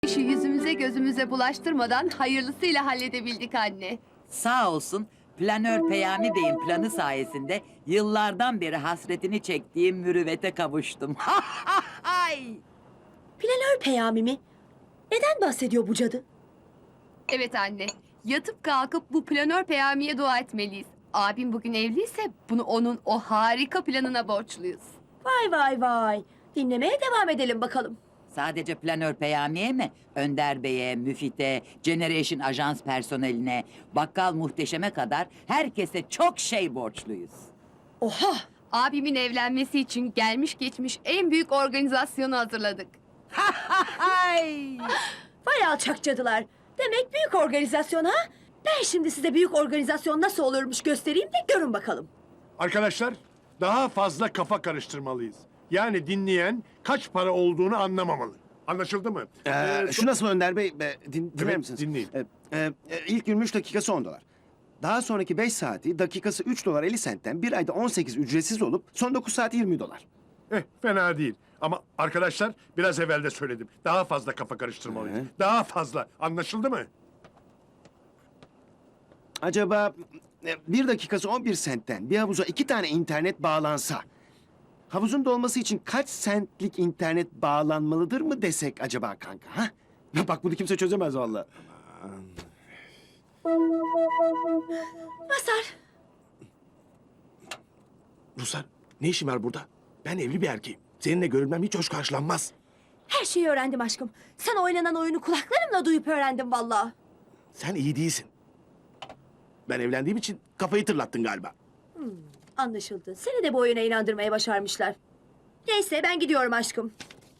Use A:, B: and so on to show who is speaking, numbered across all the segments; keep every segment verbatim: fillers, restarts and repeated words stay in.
A: İşi yüzümüze gözümüze bulaştırmadan hayırlısıyla halledebildik anne.
B: Sağ olsun planör Peyami Bey'in planı sayesinde yıllardan beri hasretini çektiğim mürüvvete kavuştum. Ay!
C: Planör Peyami mi? Neden bahsediyor bu cadı?
A: Evet anne, yatıp kalkıp bu planör Peyami'ye dua etmeliyiz. Abim bugün evliyse bunu onun o harika planına borçluyuz.
C: Vay vay vay. Dinlemeye devam edelim bakalım.
B: Sadece planör Peyami'ye mi? Önder Bey'e, Müfit'e, Generation Ajans personeline, bakkal muhteşeme kadar herkese çok şey borçluyuz.
C: Oha!
A: Abimin evlenmesi için gelmiş geçmiş en büyük organizasyonu hazırladık.
B: Ay!
C: Vay alçak cadılar. Demek büyük organizasyon ha? Ben şimdi size büyük organizasyon nasıl olurmuş göstereyim de görün bakalım.
D: Arkadaşlar, daha fazla kafa karıştırmalıyız. Yani dinleyen kaç para olduğunu anlamamalı. Anlaşıldı mı?
E: Ee,
D: Ee,
E: şu nasıl Önder Bey? Be, din, dinler
D: Evet,
E: misiniz?
D: dinleyeyim.
E: Ee, e, e, ilk yirmi üç dakikası on dolar. Daha sonraki beş saati dakikası üç dolar elli sentten bir ayda on sekiz ücretsiz olup son dokuz saati yirmi dolar.
D: Eh, fena değil. Ama arkadaşlar biraz evvel de söyledim. Daha fazla kafa karıştırmalıyız.
E: Hı.
D: Daha fazla. Anlaşıldı mı?
E: Acaba e, bir dakikası on bir sentten bir havuza iki tane internet bağlansa... havuzun dolması için kaç sentlik internet bağlanmalıdır mı desek acaba kanka? Ha? Bak bunu kimse çözemez vallahi.
C: Masar,
F: Ruslar, ne işin var burada? Ben evli bir erkeğim. Seninle görülmem hiç hoş karşılanmaz.
C: her şeyi öğrendim aşkım. Sana oynanan oyunu kulaklarımla duyup öğrendim vallahi.
F: Sen iyi değilsin. Ben evlendiğim için kafayı tırlattın galiba.
C: Anlaşıldı. Seni de bu oyuna inandırmaya başarmışlar. Neyse ben gidiyorum aşkım.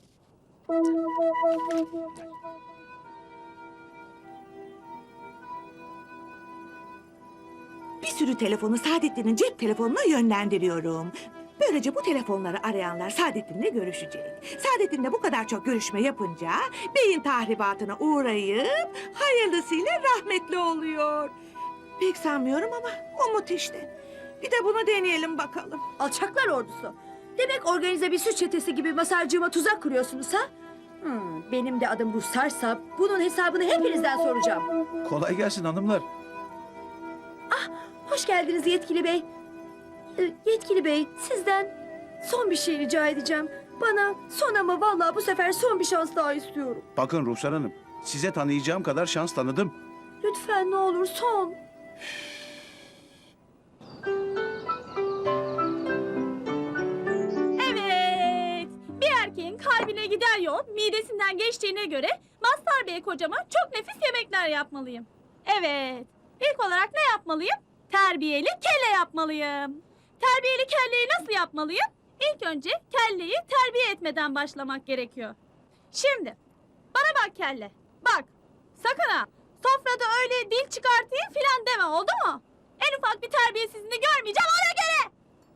G: Bir sürü telefonu Saadettin'in cep telefonuna yönlendiriyorum. Böylece bu telefonları arayanlar Saadettin'le görüşecek. Saadettin'le bu kadar çok görüşme yapınca beyin tahribatına uğrayıp hayırlısıyla rahmetli oluyor. Pek sanmıyorum ama umut işte. Bir de bunu deneyelim bakalım.
C: Alçaklar ordusu. Demek organize bir suç çetesi gibi Masarcığıma tuzak kuruyorsunuz ha? Hmm, benim de adım Ruhsar'sa bunun hesabını hepinizden soracağım.
E: Kolay gelsin hanımlar.
C: Hoş geldiniz yetkili bey. Ee, yetkili bey, sizden son bir şey rica edeceğim. Bana son ama vallahi bu sefer son bir şans daha istiyorum.
H: Bakın Ruhsar Hanım, size tanıyacağım kadar şans tanıdım.
C: Lütfen ne olur son.
I: Evet. Bir erkeğin kalbine giden yol midesinden geçtiğine göre Mazhar Bey kocama çok nefis yemekler yapmalıyım. Evet. İlk olarak ne yapmalıyım? Terbiyeli kelle yapmalıyım. Terbiyeli kelleyi nasıl yapmalıyım? İlk önce kelleyi terbiye etmeden başlamak gerekiyor. Şimdi bana bak kelle. Bak. Sakın ha. Sofrada öyle dil çıkartayım filan deme, oldu mu? En ufak bir terbiyesizliğini görmeyeceğim, ona göre.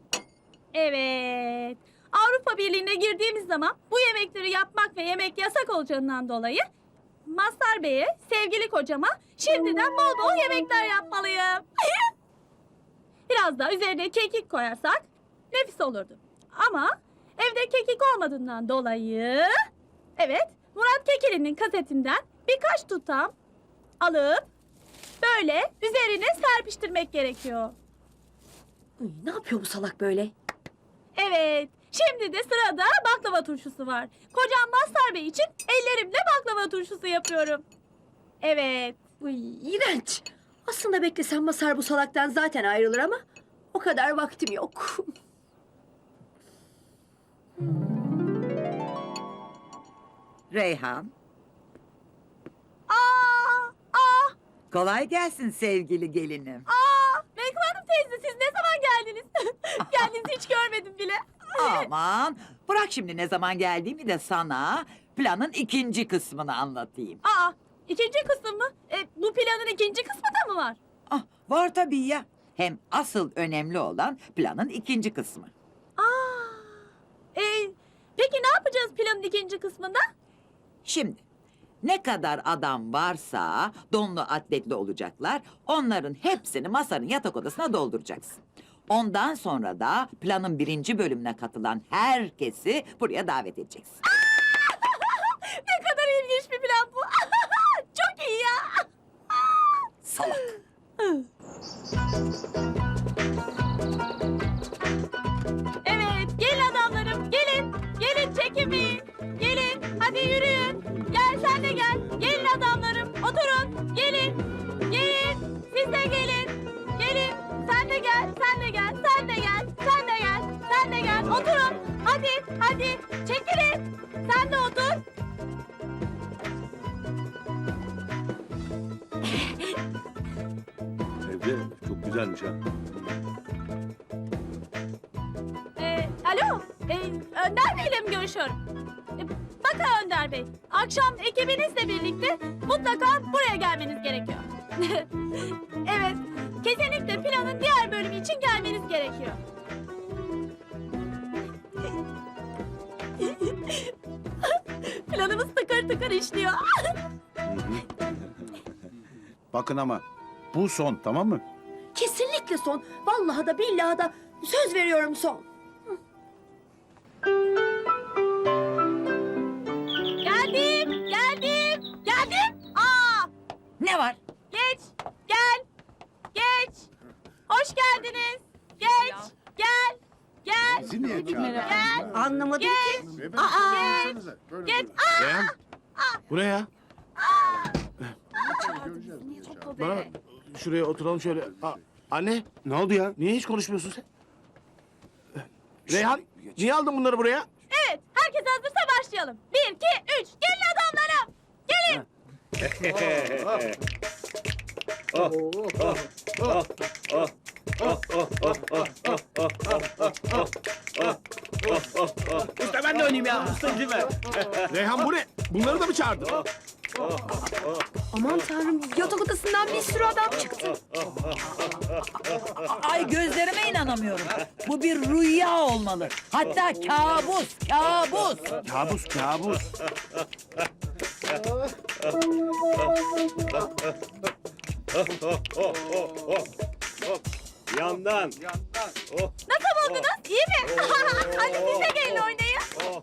I: Evet. Avrupa Birliği'ne girdiğimiz zaman bu yemekleri yapmak ve yemek yasak olacağından dolayı Mazhar Bey'e, sevgili kocama şimdiden bol bol yemekler yapmalıyım. Biraz daha üzerine kekik koyarsak nefis olurdu. Ama evde kekik olmadığından dolayı... Evet, Murat Kekilli'nin kasetinden birkaç tutam alıp böyle üzerine serpiştirmek gerekiyor.
C: Ay, ne yapıyor bu salak böyle?
I: Evet, şimdi de sırada baklava turşusu var. Kocam Mazhar Bey için ellerimle baklava turşusu yapıyorum. Evet.
C: Uy, iğrenç. Aslında beklesem Masar bu salaktan zaten ayrılır ama o kadar vaktim yok.
B: Reyhan,
I: Aa, aa,
B: kolay gelsin sevgili gelinim.
I: aa. Menkıbe Hanım teyze, siz ne zaman geldiniz? Geldiğinizi hiç görmedim bile.
B: Aman, bırak şimdi ne zaman geldiğimi de sana planın ikinci kısmını anlatayım.
I: Aa, ikinci kısım mı? E, bu planın ikinci kısmı da mı var?
B: Ah, var tabii ya. Hem asıl önemli olan planın ikinci kısmı.
I: Aa, e, peki ne yapacağız planın ikinci kısmında?
B: Şimdi ne kadar adam varsa donlu atletli olacaklar. Onların hepsini masanın yatak odasına dolduracaksın. Ondan sonra da planın birinci bölümüne katılan herkesi buraya davet edeceksin.
I: Ne kadar ilginç bir plan bu. oturun. Hadi, hadi. Çekilin. Sen de otur.
H: Evde çok güzelmiş ha.
I: Ee, alo, ee, Önder Bey'le mi görüşüyorum? Ee, bakın Önder Bey, akşam ekibinizle birlikte mutlaka buraya gelmeniz gerekiyor. Evet, kesinlikle planın diğer bölümü için gelmeniz gerekiyor. Planımız tıkır tıkır işliyor.
H: Bakın ama bu son, tamam mı?
C: Kesinlikle son. Vallahi da billahi da söz veriyorum son.
I: Geldim, geldim, geldim. Aa,
B: Ne var?
I: geç, gel, geç. Hoş geldiniz. Geç, gel, gel, gel.
G: Anlamadım
I: Geç.
G: ki.
I: Aa, geç, geç. Aa,
F: Reyhan. Buraya. Bana bak, şuraya oturalım şöyle. Aa, anne,
E: Ne oldu ya?
F: niye hiç konuşmuyorsun sen? Reyhan, niye aldın bunları buraya?
I: evet, herkes hazırsa başlayalım. Bir, iki, üç. Gelin adamlarım. Gelin.
F: İşte ben de oynayayım ya. Ustacı ver. Reyhan bu ne? Bunları da mı çağırdın?
A: Aman tanrım, yatak odasından bir sürü adam çıktı.
B: Ay gözlerime inanamıyorum. Bu bir rüya olmalı. Hatta kabus, kabus.
H: Kabus, kabus.
F: Yandan.
I: Nasıl buldunuz? İyi mi? Hadi siz de gelin oynayın.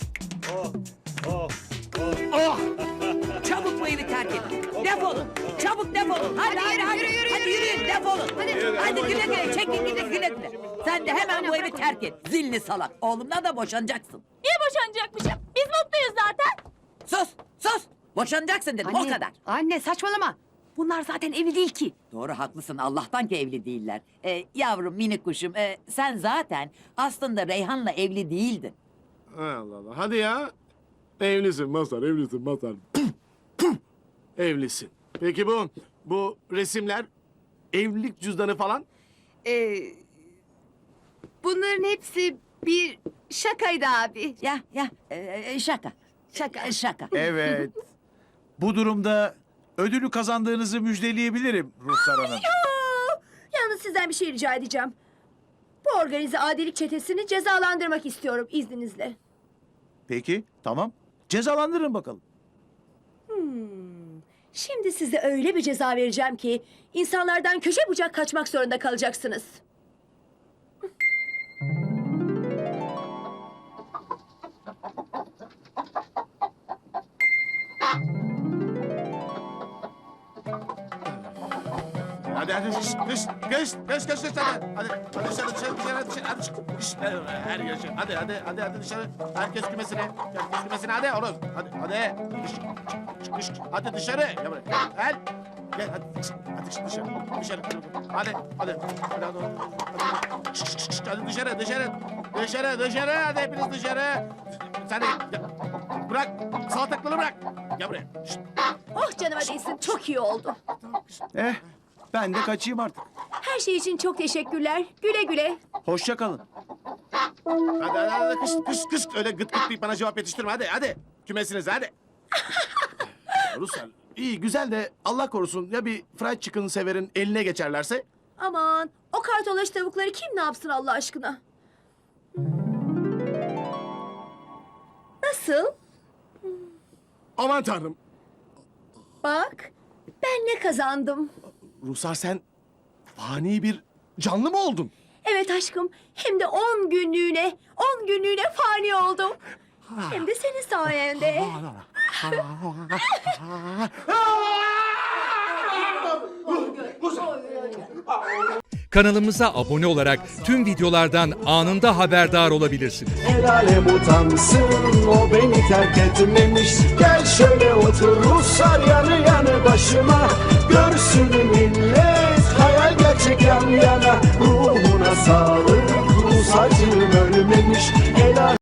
B: Çabuk bu evi terk edin. Defolun. Çabuk defolun. Hadi, hadi, hadi.
A: yürü, yürü,
B: hadi
A: yürü,
B: yürüyün,
A: yürü.
B: defolun.
A: Hadi.
B: Hadi güle güle. Çekin gidin güle güle. Sen de hemen bu evi terk et. Zilli salak. Oğlumdan da boşanacaksın.
I: Niye boşanacakmışım? Biz mutluyuz zaten.
B: Sus, sus. Boşanacaksın dedim o kadar.
A: Anne saçmalama. Bunlar zaten evli değil ki.
B: Doğru haklısın. Allah'tan ki evli değiller. Ee, yavrum minik kuşum. ee, sen zaten aslında Reyhan'la evli değildin.
F: Allah Allah. Hadi ya. Evlisin Mazhar, evlisin Mazhar. Evlisin. Peki bu, bu resimler, evlilik cüzdanı falan?
A: Ee, bunların hepsi bir şakaydı abi.
B: Ya ya ee, şaka. Şaka. Şaka.
H: Evet. Bu durumda ödülü kazandığınızı müjdeleyebilirim Ruhsar Hanım.
C: Yalnız sizden bir şey rica edeceğim. Bu organize adilik çetesini cezalandırmak istiyorum izninizle.
H: Peki, tamam. Cezalandırın bakalım.
C: Şimdi size öyle bir ceza vereceğim ki insanlardan köşe bucak kaçmak zorunda kalacaksınız.
F: Hadi hadi dış dış geç geç geç dış hadi hadi hadi dışarı dışarı dışarı dışarı hadi çık dış her yer şey hadi hadi hadi hadi dışarı herkes kümesine herkes kümesine hadi oğlum hadi hadi dış çık dış hadi dışarı gel buraya gel gel hadi çık hadi çık dışarı dışarı hadi hadi hadi hadi hadi çık, çık, çık, çık, hadi dışarı dışarı dışarı dışarı hadi hepiniz dışarı sen de gel. Bırak salatalıkları bırak gel buraya. Şşt.
C: Oh canıma değsin, çok iyi oldu.
H: Eh, ben de kaçayım artık.
C: Her şey için çok teşekkürler. Güle güle.
H: Hoşça kalın.
F: Hadi hadi hadi kış kış kış öyle gıt gıt deyip bana cevap yetiştirme hadi hadi. Kümesiniz hadi. Ruslar iyi güzel de Allah korusun ya bir fried chicken severin eline geçerlerse?
C: Aman, o kartolaş tavukları kim ne yapsın Allah aşkına? Nasıl?
F: Aman tanrım.
C: Bak, ben ne kazandım?
F: Ruslar sen fani bir canlı mı oldun?
C: Evet aşkım, hem de on günlüğüne, on günlüğüne fani oldum. Hem de senin sayende.
J: Kanalımıza abone olarak tüm videolardan anında haberdar olabilirsiniz.
K: El alem utansın, o beni terk etmemiş. Gel şöyle otur Ruslar yanı yanı başıma. Görsün millet.